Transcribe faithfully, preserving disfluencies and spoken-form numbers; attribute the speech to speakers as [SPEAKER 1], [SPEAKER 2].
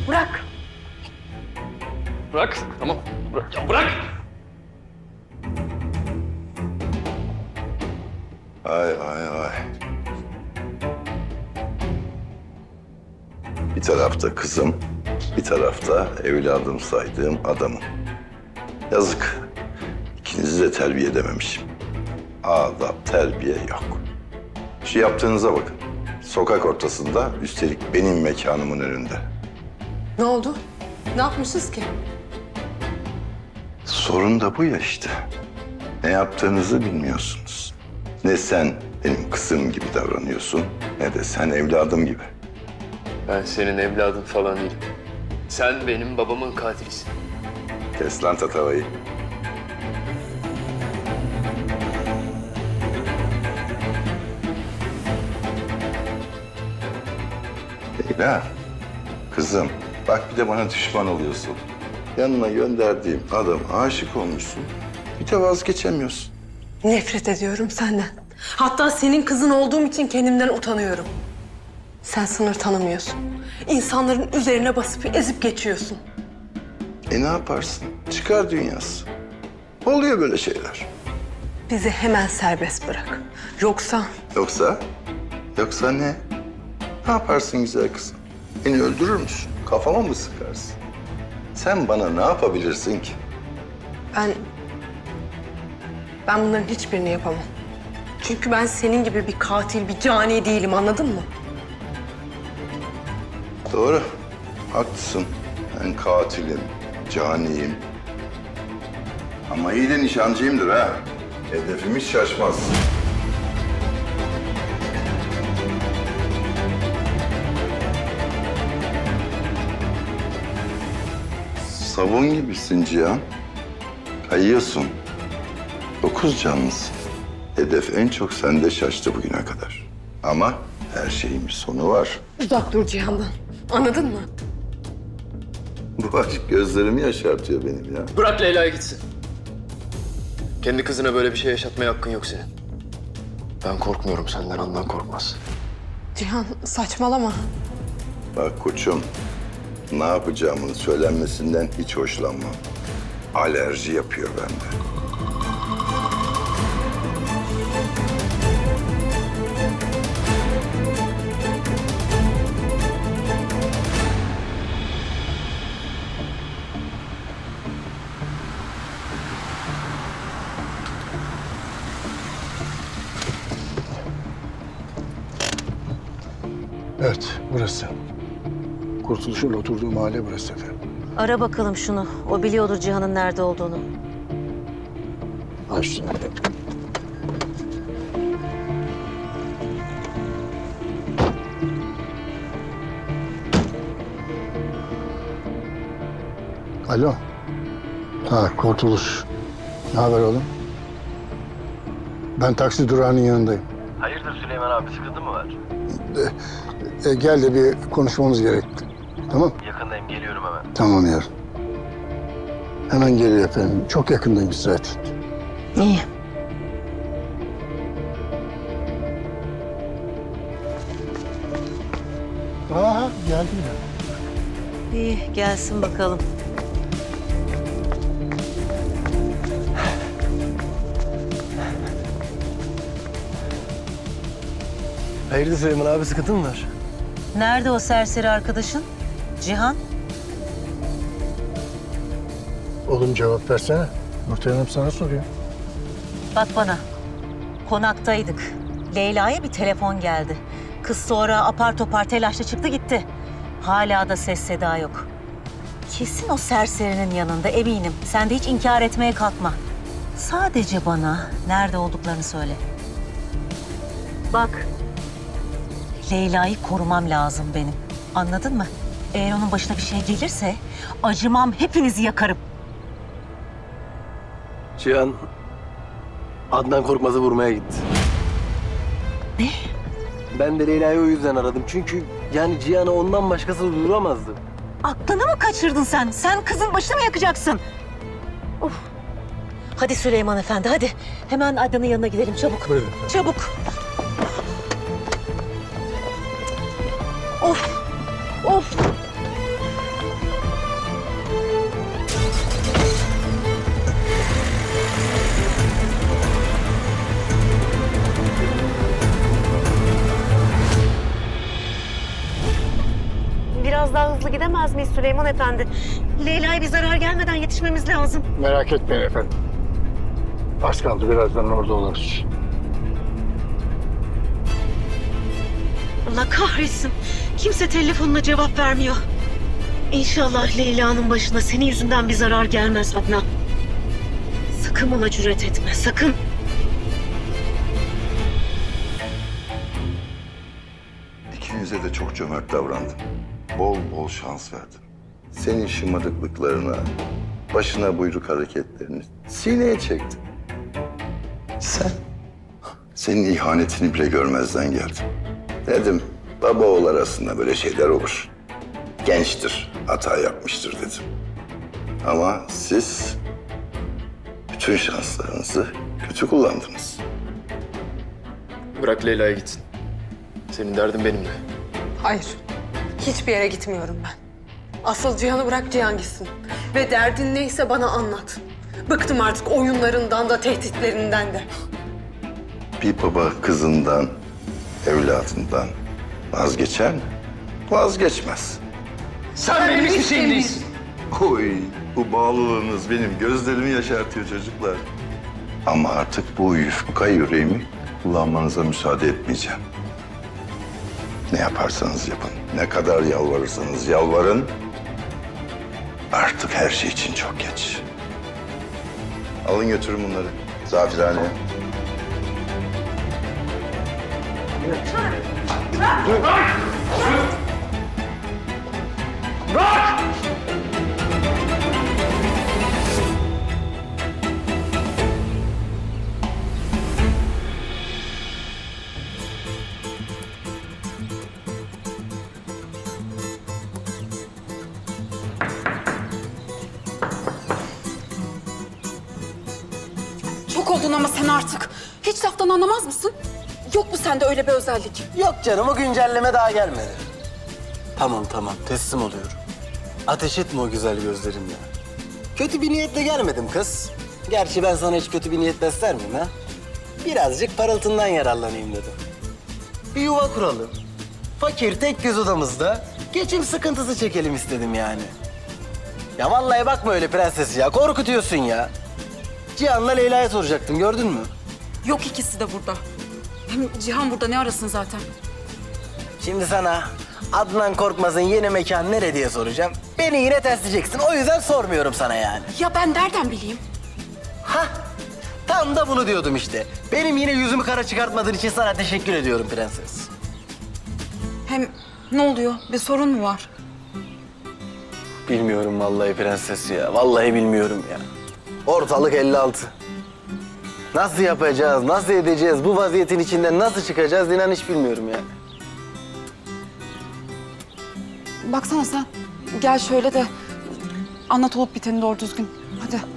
[SPEAKER 1] Bırak.
[SPEAKER 2] Bırak. Tamam. Bırak. Ya bırak.
[SPEAKER 3] Ay ay ay. Bir tarafta kızım, bir tarafta evladım saydığım adamım. Yazık. İkinizi de terbiye edememişim. Adap, terbiye yok. Şu yaptığınıza bakın. Sokak ortasında, üstelik benim mekanımın önünde.
[SPEAKER 1] Ne oldu? Ne yapmışız ki?
[SPEAKER 3] Sorun da bu ya işte. Ne yaptığınızı bilmiyorsunuz. Ne sen benim kızım gibi davranıyorsun, ne de sen evladım gibi.
[SPEAKER 2] Ben senin evladın falan değilim. Sen benim babamın katilisin.
[SPEAKER 3] Kes lan tatavayı. Leyla, kızım bak bir de bana düşman oluyorsun. Yanına gönderdiğim adam aşık olmuşsun. Bir de vazgeçemiyorsun.
[SPEAKER 1] Nefret ediyorum senden. Hatta senin kızın olduğum için kendimden utanıyorum. Sen sınır tanımıyorsun. İnsanların üzerine basıp ezip geçiyorsun.
[SPEAKER 3] E ne yaparsın? Çıkar dünyası. Oluyor böyle şeyler.
[SPEAKER 1] Bizi hemen serbest bırak. Yoksa
[SPEAKER 3] Yoksa? Yoksa ne? Ne yaparsın güzel kızım? Beni öldürür müsün? Kafama mı sıkarsın? Sen bana ne yapabilirsin ki?
[SPEAKER 1] ben... Ben bunların hiçbirini yapamam. Çünkü ben senin gibi bir katil, bir cani değilim, anladın mı?
[SPEAKER 3] Doğru. Haklısın. Ben katilim, caniyim. Ama iyi de nişancıyımdır ha. Hedefimiz şaşmaz. Sabun gibisin Cihan. Kayıyorsun. Dokuz canlısın. Hedef en çok sende şaştı bugüne kadar. Ama her şeyin bir sonu var.
[SPEAKER 1] Uzak dur Cihan'dan. Anladın mı?
[SPEAKER 3] Bu aşk gözlerimi yaşartıyor benim ya.
[SPEAKER 2] Bırak Leyla'ya gitsin. Kendi kızına böyle bir şey yaşatmaya hakkın yok senin. Ben korkmuyorum senden, ondan korkmaz.
[SPEAKER 1] Cihan saçmalama.
[SPEAKER 3] Bak koçum, ne yapacağımın söylenmesinden hiç hoşlanmam. Alerji yapıyor bende.
[SPEAKER 4] Evet, burası. Kurtuluş'un oturduğu mahalle burası efendim.
[SPEAKER 5] Ara bakalım şunu. O biliyordur Cihan'ın nerede olduğunu.
[SPEAKER 4] Açtım. Alo. Ha, Kurtuluş. Ne haber oğlum? Ben taksi durağının yanındayım.
[SPEAKER 6] Hayırdır Süleyman abi, sıkıntı mı var?
[SPEAKER 4] E, gel de bir konuşmamız gerekti. Tamam?
[SPEAKER 6] Yakındayım, geliyorum hemen.
[SPEAKER 4] Tamam yarın. Hemen geliyor efendim. Çok yakındaymış zaten.
[SPEAKER 5] İyi.
[SPEAKER 4] Aha geldi ya.
[SPEAKER 5] İyi gelsin bakalım.
[SPEAKER 6] Hayırdır Süleyman abi, sıkıntı mı var?
[SPEAKER 5] Nerede o serseri arkadaşın? Cihan?
[SPEAKER 4] Oğlum cevap versene. Nurten Hanım sana soruyor.
[SPEAKER 5] Bak bana. Konaktaydık. Leyla'ya bir telefon geldi. Kız sonra apar topar telaşla çıktı gitti. Hala da ses seda yok. Kesin o serserinin yanında eminim. Sen de hiç inkar etmeye kalkma. Sadece bana nerede olduklarını söyle. Bak. Leyla'yı korumam lazım benim. Anladın mı? Eğer onun başına bir şey gelirse acımam, hepinizi yakarım.
[SPEAKER 6] Cihan, Adnan Korkmaz'ı vurmaya gitti.
[SPEAKER 5] Ne?
[SPEAKER 6] Ben de Leyla'yı o yüzden aradım. Çünkü yani Cihan'ı ondan başkası vuramazdı.
[SPEAKER 5] Aklını mı kaçırdın sen? Sen kızın başını mı yakacaksın? Of. Hadi Süleyman Efendi, hadi. Hemen Adnan'ın yanına gidelim, çabuk.
[SPEAKER 4] Buyurun.
[SPEAKER 5] Çabuk. Of. Of. Biraz daha hızlı gidemez miyiz Süleyman Efendi? Leyla'ya bir zarar gelmeden yetişmemiz lazım.
[SPEAKER 4] Merak etmeyin efendim. Az kaldı, birazdan orada oluruz.
[SPEAKER 5] Allah kahretsin. Kimse telefonuna cevap vermiyor. İnşallah Leyla'nın başına senin yüzünden bir zarar gelmez Adnan. Sakın bana cüret etme, sakın.
[SPEAKER 3] İkinize de çok cömert davrandım. Bol bol şans verdim. Senin şımarıklıklarına, başına buyruk hareketlerini sineye çektim. Sen, senin ihanetini bile görmezden geldim. Dedim, baba oğul arasında böyle şeyler olur. Gençtir, hata yapmıştır dedim. Ama siz bütün şanslarınızı kötü kullandınız.
[SPEAKER 2] Bırak Leyla'ya gitsin. Senin derdin benimle.
[SPEAKER 1] Hayır. Hiçbir yere gitmiyorum ben. Asıl Cihan'ı bırak, Cihan gitsin. Ve derdin neyse bana anlat. Bıktım artık oyunlarından da tehditlerinden de.
[SPEAKER 3] Bir baba kızından, evladından vazgeçer mi? Vazgeçmez.
[SPEAKER 2] Sen benim hiçbir şeyim değilsin.
[SPEAKER 3] Oy, bu bağlılığınız benim gözlerimi yaşartıyor çocuklar. Ama artık bu yufka yüreğimi kullanmanıza müsaade etmeyeceğim. Ne yaparsanız yapın, ne kadar yalvarırsanız yalvarın. Artık her şey için çok geç. Alın götürün bunları Zafirhane'ye.
[SPEAKER 7] Çok oldun ama sen artık. Hiç laftan anlamaz mısın? Yok mu sende öyle bir özellik?
[SPEAKER 6] Yok canım, o güncelleme daha gelmedi. Tamam tamam, teslim oluyorum. Ateş etme o güzel gözlerimle. Kötü bir niyetle gelmedim kız. Gerçi ben sana hiç kötü bir niyet besler miyim ha? Birazcık parıltından yararlanayım dedim. Bir yuva kuralım. Fakir tek göz odamızda geçim sıkıntısı çekelim istedim yani. Ya vallahi bakma öyle prenses ya, korkutuyorsun ya. Cihan'la Leyla'ya soracaktım, gördün mü?
[SPEAKER 7] Yok, ikisi de burada. Hem Cihan burada ne arasın zaten?
[SPEAKER 6] Şimdi sana Adnan Korkmaz'ın yeni mekanı nere diye soracağım. Beni yine tersleyeceksin. O yüzden sormuyorum sana yani.
[SPEAKER 7] Ya ben nereden bileyim?
[SPEAKER 6] Hah, tam da bunu diyordum işte. Benim yine yüzümü kara çıkartmadığın için sana teşekkür ediyorum prenses.
[SPEAKER 7] Hem ne oluyor? Bir sorun mu var?
[SPEAKER 6] Bilmiyorum vallahi prenses ya. Vallahi bilmiyorum ya. Ortalık elli altı. Nasıl yapacağız, nasıl edeceğiz, bu vaziyetin içinden nasıl çıkacağız inan hiç bilmiyorum yani.
[SPEAKER 7] Baksana sen. Gel şöyle de anlat olup biteni doğru düzgün. Hadi.